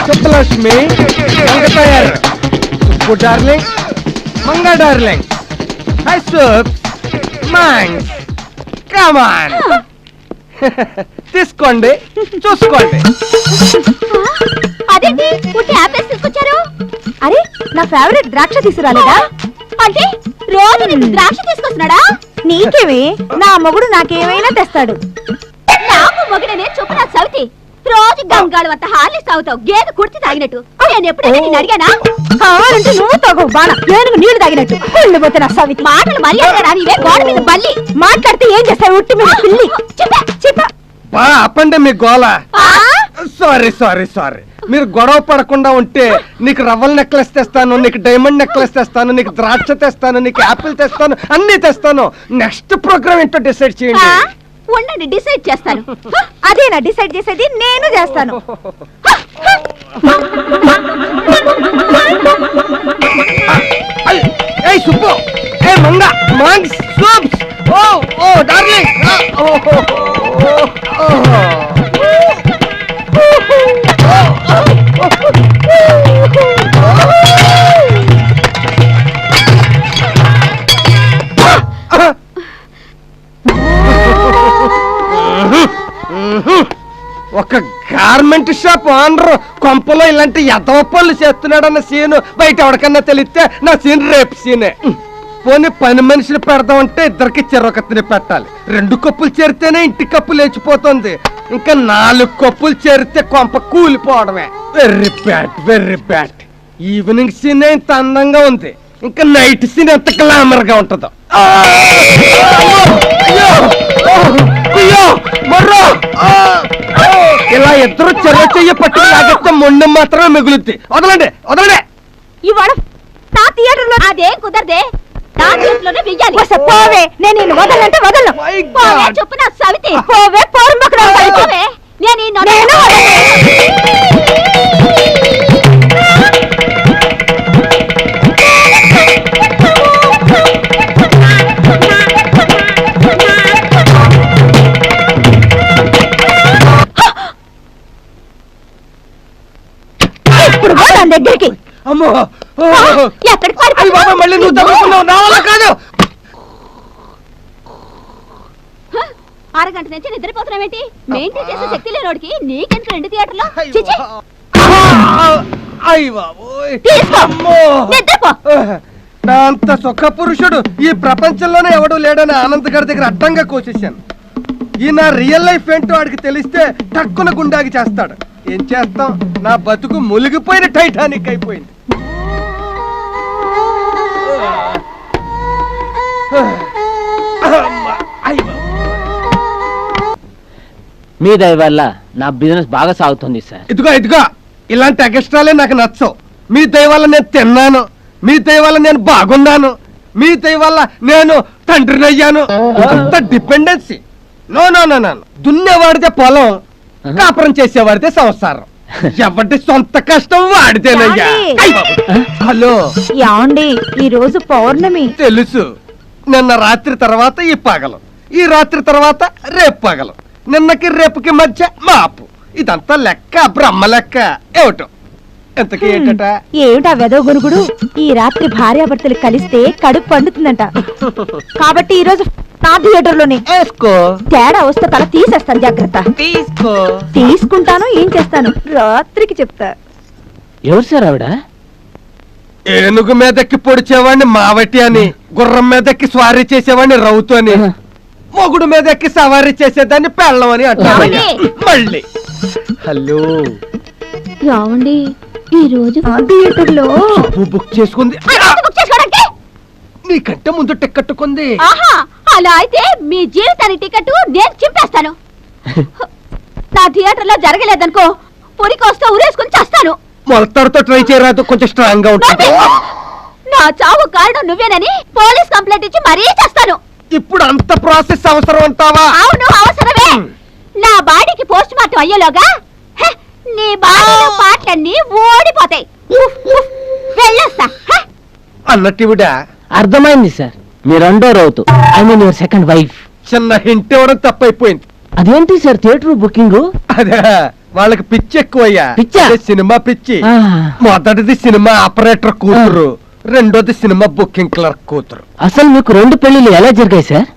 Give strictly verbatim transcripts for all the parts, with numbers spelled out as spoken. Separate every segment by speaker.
Speaker 1: Subbalakshmi, Mangatayaru, Subbu darling, Manga darling, hi soup, మ్యాంగ్, come on తీసుకోండి, చూసుకోండి.
Speaker 2: అదేంటి పుట్టి యాపిల్స్ తీసుకొచ్చారు? అరే నా ఫేవరెట్ ద్రాక్ష తీసుకురాలేదా? అంటే రోజు నీకు ద్రాక్ష తీసుకొస్తున్నాడా? నీకేమి, నా మొగుడు నాకేమైనా తెస్తాడు. నాకు మొగుడనే చెప్పు నా సవితి. రోజు గంగాళ వద్ద హార్లిక్స్ తాగుతావు, గేదె కుర్తి తాగినట్టు. నేను ఎప్పుడైనా నేను అడిగానా? కావాలంటే నువ్వు తాగు బాణ, ఏనుగు నీళ్లు తాగినట్టు. కుళ్ళు పోతే నా సవితి. మాటలు మర్యాద రానివే, గోడ మీద బల్లి. మాట్లాడితే ఏం చేస్తావు? ఉట్టి మీద పిల్లి. చెప్పా చెప్పా
Speaker 1: బా అప్పండి మీ గోల. సారీ సారీ సారీ మీరు గొడవ పడకుండా ఉంటే నీకు రవ్వల నెక్లెస్ తెస్తాను, నీకు డైమండ్ నెక్లెస్ తెస్తాను, నీకు ద్రాక్ష తెస్తాను, నీకు యాపిల్ తెస్తాను, అన్ని తెస్తాను. నెక్స్ట్ ప్రోగ్రామ్ ఏంటో డిసైడ్ చేయండి.
Speaker 2: ఉండండి, డిసైడ్ చేస్తాను. అదేనా డిసైడ్ చేసేది? నేను చేస్తాను.
Speaker 1: ఏయ్ సుబ్బు, ఏ మంగ, మాంగ్స్, సూప్స్, ఓ ఓ డార్లింగ్, ఓ ఓ ఒక గార్మెంట్ షాప్ ఓనర్ కొంపలో ఇలాంటి ఎదవ పనులు చేస్తున్నాడన్న సీను బయట ఎవరికన్నా తెలిస్తే నా సీన్ రేపు సీనే. పోనీ పని మనుషులు పెడదామంటే ఇద్దరికి చెరొకతిని పెట్టాలి. రెండు కప్పులు చేరితేనే ఇంటి కప్పు లేచిపోతుంది, ఇంకా నాలుగు కప్పులు చేరితే కొంప కూలిపోవడమే. Very bad very bad. Evening scene ఇంత అందంగా ఉంది, ఇంకా నైట్ సీన్ ఎంత గ్లామర్ గా ఉంటుందో. ఇలా ఇద్దరు చెర చెయ్య పట్టి లాగితే మొండెం మాత్రమే మిగులుద్ది. వదలండి వదలండి.
Speaker 2: ఇవాళ నా థియేటర్ లో అదేం కుదరదే. నా చేతిలోనే వెయ్యాలి. పోవే, నేను నిన్ను వదలంటే వదలను. పోవే చెప్పు నా సవితి. పోవే పోరుంబకు పోవే. నేను ఈ నొన దగ్గరికి.
Speaker 1: అమ్మో
Speaker 2: ఎక్కడికి
Speaker 1: మళ్ళీ నువ్వు తగ్గుతున్నావు, నా వల్ల కాదు.
Speaker 2: అరగంట నుంచి నిద్రపోతున్నావేంటి? మెయింటైన్ చేసే శక్తి లేనోడికి నీకెందుకు రెండు థియేటర్లో?
Speaker 1: నా అంత సుఖ పురుషుడు ఈ ప్రపంచంలోనే ఎవడు లేడని ఆనంద్ గారి దగ్గర అడ్డంగా కోసేశాను. ఈ నా రియల్ లైఫ్ ఏంటో వాడికి తెలిస్తే టక్కున గుండాగి చేస్తాడు. ఏం చేస్తాం, నా బతుకు మునిగిపోయిన టైటానిక్ అయిపోయింది.
Speaker 3: మీ దయ వల్ల నా బిజినెస్ బాగా సాగుతుంది సార్.
Speaker 1: ఇదిగో ఇదిగో ఇలాంటి ఎక్స్ట్రాలే నాకు నచ్చవు. మీ దయ వల్ల నేను తిన్నాను, మీ దయ వల్ల నేను బాగున్నాను, మీ దయ వల్ల నేను తండ్రిని అయ్యాను. అంత dependency no no no no. దున్నేవాడితే పొలం, కాపురం చేసేవాడితే సంసారం. ఎవరి సొంత కష్టం వాడితేనయ్యా. హలో
Speaker 2: యాండి, ఈ రోజు పౌర్ణమి
Speaker 1: తెలుసు. నిన్న రాత్రి తర్వాత ఈ పగలు, ఈ రాత్రి తర్వాత రేపు పగలు, నిన్నకి రేపుకి మధ్య మాపు. ఇదంతా లెక్క, బ్రహ్మ లెక్క. ఏమిటో ఎంతకీ ఏంటట?
Speaker 2: ఏమిటా వెదవ గునుగుడు? ఈ రాత్రి భార్యాభర్తలు కలిస్తే కడుపు పండుతుందంట. కాబట్టి ఈ రోజు నా థియేటర్ లోనే తేడా వస్తే తల తీసేస్తాను, జాగ్రత్త.
Speaker 3: తీసుకో.
Speaker 2: తీసుకుంటాను, ఏం చేస్తాను రాత్రికి చెప్తా.
Speaker 3: ఎవరు సార్ ఆవిడ?
Speaker 1: ఏనుగు మీదకి పొడిచేవాడిని మావటి అని, గుర్రం మీదకి స్వారీ చేసేవాడిని రౌతు అని, మొగుడు మీదకి సవారీ చేసేదాన్ని పెళ్ళం అని అంటారు. మళ్ళీ హలో
Speaker 2: ఏమండి, ఈ రోజు థియేటర్ లో
Speaker 1: బుక్ చేసుకుంది. నీకంటే ముందు టికెట్ కొంది.
Speaker 2: అలా అయితే మీ జీవితానికి టికెట్ నేను చింపేస్తాను. నా థియేటర్ లో జరగలేదనుకో, పొరికొస్తా ఊరేసుకుని చేస్తాను.
Speaker 1: మొలతాడుతో ట్రై చేయరాదు, కొంచెం స్ట్రాంగ్ గా ఉంటుంది.
Speaker 2: నా చావు కారణం నువ్వేనని పోలీస్ కంప్లైంట్ ఇచ్చి మరీ చేస్తాను.
Speaker 1: ఇప్పుడు అంత ప్రాసెస్ అవసరం అంటావా?
Speaker 2: అవును, అవసరమే. నా బాడీకి పోస్ట్ మార్టం అయ్యేలోగా నీ బాడీలో పాటలన్నీ ఓడిపోతాయి. వెళ్ళొస్తా
Speaker 1: అన్నట్టుడా?
Speaker 3: అర్థమైంది సార్, మీ రెండో రౌతు, I mean your second wife.
Speaker 1: చిన్న హింట్ ఇవ్వడం తప్పైపోయింది.
Speaker 3: అదేంటి సార్ థియేటర్ బుకింగ్?
Speaker 1: అదే వాళ్ళకి పిచ్చి ఎక్కువయ్యా.
Speaker 3: పిచ్చా?
Speaker 1: అదే సినిమా పిచ్చి.
Speaker 3: ఆ.
Speaker 1: మొదటిది సినిమా ఆపరేటర్ కూతురు, రెండోది సినిమా బుకింగ్ క్లర్క్ కూతురు.
Speaker 3: అసలు మీకు రెండు పెళ్లిళ్ళు ఎలా జరిగాయి సార్?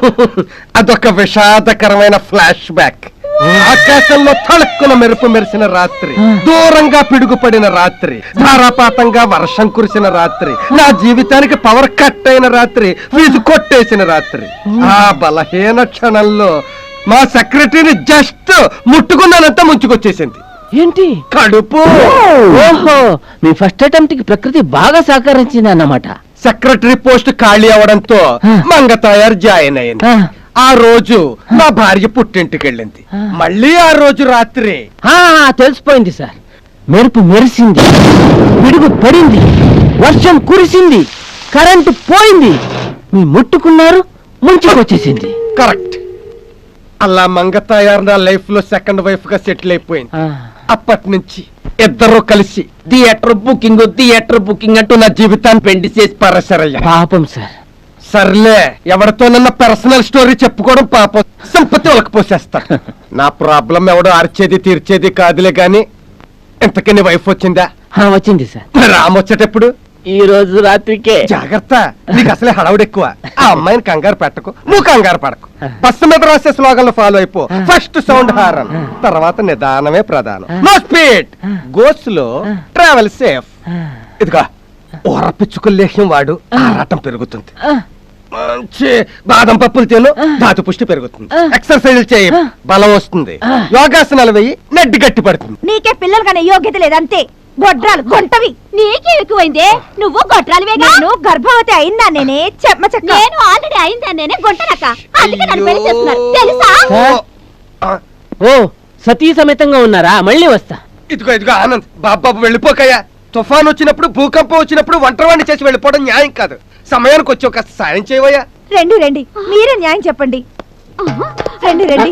Speaker 1: అదొక విషాదకరమైన ఫ్లాష్ బ్యాక్. ఆకాశంలో తళుక్కున మెరుపు మెరిసిన రాత్రి, దూరంగా పిడుగుపడిన రాత్రి, ధారాపాతంగా వర్షం కురిసిన రాత్రి, నా జీవితానికి పవర్ కట్ అయిన రాత్రి, వీధి కొట్టేసిన రాత్రి. ఆ బలహీన క్షణంలో మా సెక్రటరీని జస్ట్ ముట్టుకున్నానంతా ముంచుకొచ్చేసింది.
Speaker 3: ఏంటి?
Speaker 1: కడుపు.
Speaker 3: ఓహో, మీ ఫస్ట్ అటెంప్ట్ కి ప్రకృతి బాగా సహకరించింది అన్నమాట.
Speaker 1: సెక్రటరీ పోస్ట్ ఖాళీ అవడంతో మంగతాయారు జాయిన్ అయింది. ఆ రోజు నా భార్య పుట్టింటికి వెళ్ళింది. మళ్ళీ ఆ రోజు రాత్రి
Speaker 3: ఆ, తెలిసిపోయింది సార్. మెరుపు మెరిసింది, పిడుగు పడింది, వర్షం కురిసింది, కరెంటు పోయింది, మీ ముట్టుకున్నారు, ముంచుకొచ్చేసింది.
Speaker 1: కరెక్ట్. అలా మంగతాయారు నా లైఫ్ లో సెకండ్ వైఫ్ గా సెటిల్ అయిపోయింది.
Speaker 3: ఆ,
Speaker 1: అప్పటి నుంచి ఇద్దరు కలిసి థియేటర్ బుకింగ్ థియేటర్ బుకింగ్ అంటూ నా జీవితాన్ని పెండి చేసి పరసరయ్యా.
Speaker 3: పాపం సార్.
Speaker 1: సర్లే, ఎవరితోనన్నా పర్సనల్ స్టోరీ చెప్పుకోవడం పాపం, సంపత్తి వాళ్ళకి పోసేస్తా. నా ప్రాబ్లం ఎవడో అరిచేది తీర్చేది కాదులే గాని, ఇంతకీ నీ వైఫ్ వచ్చిందా?
Speaker 3: ఆ, వచ్చింది సార్.
Speaker 1: రామ్ వచ్చేటప్పుడు
Speaker 3: ఈ రోజు రాత్రికే.
Speaker 1: జాగ్రత్త, నీకు అసలే హడావుడు ఎక్కువ. ఆ అమ్మాయిని కంగారు పెట్టకు, నువ్వు కంగారు పడకు. బస్సు మీద రాసే స్లోగన్లు ఫాలో అయిపో. ఫస్ట్ సౌండ్ హారన్, తర్వాత నిదానమే ప్రధానం. No speed, go slow, travel safe. ఇదిగా ఓరపిచ్చుకు లేహ్యం వాడు, ఆరాటం పెరుగుతుంది. మంచి బాదం పప్పులు తిను, ధాతు పుష్టి పెరుగుతుంది. ఎక్సర్సైజ్ చేయి, బలం వస్తుంది. యోగాసనాలు వెయ్యి, నడ్డి గట్టి పడుతుంది.
Speaker 2: నీకే పిల్లలు కానీ యోగ్యత లేదంతే. గొడ్రాలు గొంటవి. నీకే ఎక్కువైందే, నువ్వు గొడ్రాలువేగా. నేను గర్భవతి అయిందా నేనే చెమ్మ చెక్క. నేను ఆల్రెడీ అయిందా నేనే గొంటనక్క. అందుకే నన్ను పెళ్లి చేస్తున్నారు తెలుసా?
Speaker 3: సార్?
Speaker 1: ఆ,
Speaker 3: ఓ, సతీ సమేతంగా ఉన్నారా? మళ్ళీ వస్తా.
Speaker 1: ఇదిగో ఇదిగో ఆనంద్, బాబాబు వెళ్ళిపోకయ్యా. తుఫాన్ వచ్చినప్పుడు, భూకంపం వచ్చినప్పుడు వంటవాణ్ణి చేసి వెళ్ళిపోవడం న్యాయం కాదు. సమయానికి వచ్చి ఒక సాయం చేయవయ్యా.
Speaker 2: రండి రండి, మీరే న్యాయం చెప్పండి. రండి రండి.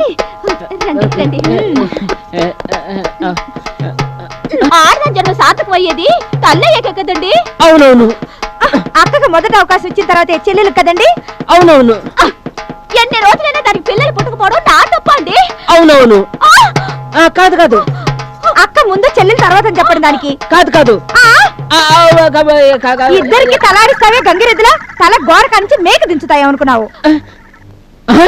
Speaker 2: ఆడదాం జన్మ సార్థకం అయ్యేది తల్లయ్యాక కదండి.
Speaker 3: అవునవును.
Speaker 2: అక్కకు మొదటి అవకాశం ఇచ్చిన తర్వాత చెల్లెలు కదండి.
Speaker 3: అవునవును.
Speaker 2: ఎన్ని రోజులైనా దానికి పిల్లలు పుట్టుకుపోవడం నా తప్ప అండి.
Speaker 3: అవునవును. ఆ, కాదు కాదు,
Speaker 2: అక్క ముందు చెల్లెలు తర్వాత చెప్పండి దానికి.
Speaker 3: కాదు కాదు.
Speaker 2: ఆ,
Speaker 3: ఆ, ఆ, కా- కా- కా-
Speaker 2: ఇద్దరికి తలాడిస్తావే గంగిరెద్దులా, తల గోడ కానించి మేక దించుతాయి అనుకున్నావు.
Speaker 3: ఆ?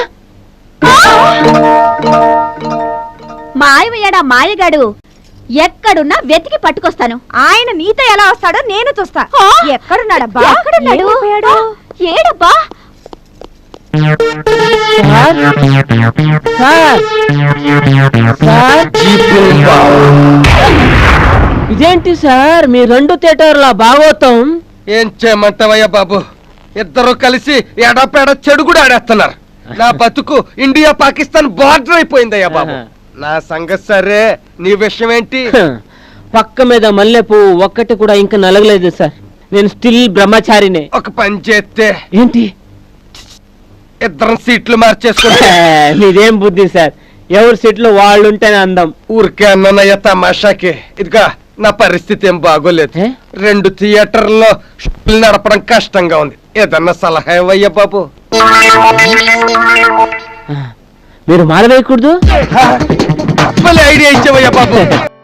Speaker 2: మాయమయ్యాడా మాయగాడు, ఎక్కడున్నా వెతికి పట్టుకొస్తాను. ఆయన నీతో ఎలా వస్తాడో నేను చూస్తా. ఎక్కడున్నాడబ్బా? ఎక్కడున్నాడు? ఏడబ్బా?
Speaker 3: సార్? సార్? సార్? ఇదేంటి సార్ మీ రెండు థియేటర్ల భాగవతం?
Speaker 1: ఏం చేయమంటావయ్యా బాబు, ఇద్దరు కలిసి ఎడపేడ చెడు కూడా ఆడేస్తున్నారు. నా బతుకు ఇండియా పాకిస్తాన్ బార్డర్ అయిపోయిందయ్యా బాబు. నా సంగతి సరే, నీ విషయం ఏంటి?
Speaker 3: హ, పక్క మీద మల్లెపూ ఒక్కటి కూడా ఇంకా నలగలేదు సార్. నేను స్టిల్ బ్రహ్మచారినే.
Speaker 1: ఒక పని చేస్తే
Speaker 3: ఏంటి?
Speaker 1: ఇద్దరం సీట్లు మార్చేసుకుంటే.
Speaker 3: హే, మీదేం బుద్ధి సార్, ఎవరి సీట్లో వాళ్ళు ఉంటేనే అందం.
Speaker 1: ఊరికే అన్నయ్య తమాషాకి. ఇదిగా నా పరిస్థితి ఏం బాగోలేదు.
Speaker 3: ఏ?
Speaker 1: రెండు థియేటర్లో షోలు నడపడం కష్టంగా ఉంది. ఏదన్నా సలహా ఇవ్వయ్యా బాబు.
Speaker 3: మీరు మారవేయకూడదు.
Speaker 1: ఐడియా ఇచ్చేవయ్యా బాబు.